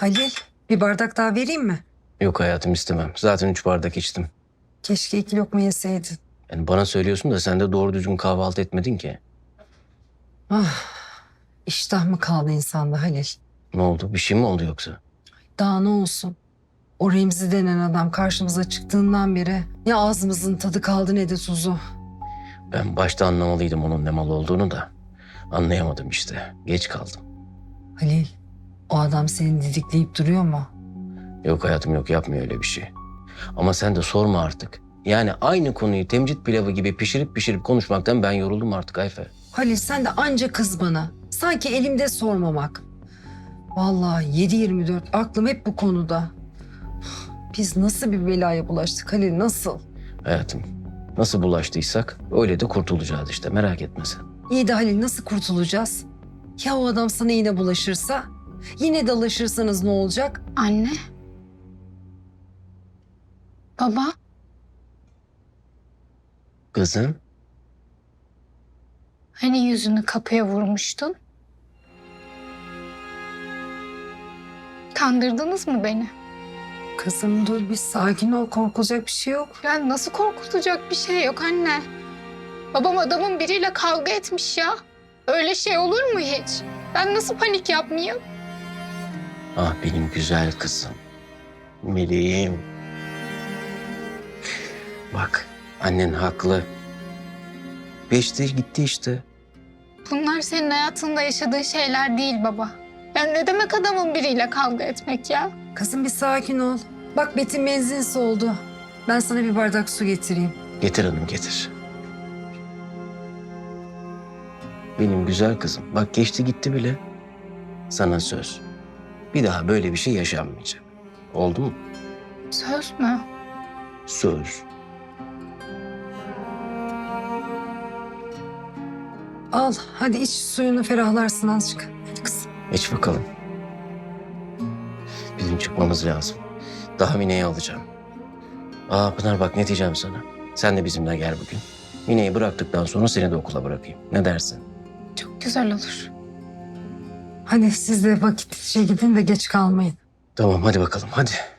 Halil, bir bardak daha vereyim mi? Yok hayatım, istemem. Zaten 3 bardak içtim. Keşke 2 lokma yeseydin. Yani bana söylüyorsun da sen de doğru düzgün kahvaltı etmedin ki. Ah, iştah mı kaldı insanda Halil? Ne oldu? Bir şey mi oldu yoksa? Daha ne olsun? O Remzi denen adam karşımıza çıktığından beri ne ağzımızın tadı kaldı ne de tuzu. Ben başta anlamalıydım onun ne mal olduğunu da. Anlayamadım işte. Geç kaldım. Halil, o adam seni didikleyip duruyor mu? Yok hayatım, yok, yapmıyor öyle bir şey. Ama sen de sorma artık. Yani aynı konuyu temcit pilavı gibi pişirip pişirip konuşmaktan ben yoruldum artık Ayfer. Halil sen de anca kız bana. Sanki elimde sormamak. Vallahi 7/24 aklım hep bu konuda. Biz nasıl bir belaya bulaştık Halil, nasıl? Hayatım, nasıl bulaştıysak öyle de kurtulacağız işte, merak etme sen. İyi de Halil nasıl kurtulacağız? Ya o adam sana yine bulaşırsa? Yine dalaşırsanız ne olacak? Anne. Baba. Kızım, Hani yüzünü kapıya vurmuştun? Kandırdınız mı beni? Kızım dur bir sakin ol, korkulacak bir şey yok. Ya nasıl korkutacak bir şey yok anne. Babam adamın biriyle kavga etmiş ya. Öyle şey olur mu hiç? Ben nasıl panik yapmayayım? ah benim güzel kızım. Meleğim. Bak, annen haklı. Geçti gitti işte. Bunlar senin hayatında yaşadığın şeyler değil baba. Ya ne demek adamın biriyle kavga etmek ya? Kızım bir sakin ol. Bak Betim benzin soldu. Ben sana bir bardak su getireyim. Getir hanım, getir. Benim güzel kızım. Bak geçti gitti bile. Sana söz. Bir daha böyle bir şey yaşanmayacak. Oldu mu? Söz mü? Söz. Al hadi iç suyunu, ferahlarsın azıcık. Hadi kızım. İç bakalım. Bizim çıkmamız lazım. Daha Mine'yi alacağım. Aa Pınar, bak ne diyeceğim sana. Sen de bizimle gel bugün. Mine'yi bıraktıktan sonra seni de okula bırakayım. Ne dersin? Çok güzel olur. Hadi siz de vakitlice gidin de geç kalmayın. Tamam, hadi bakalım, hadi.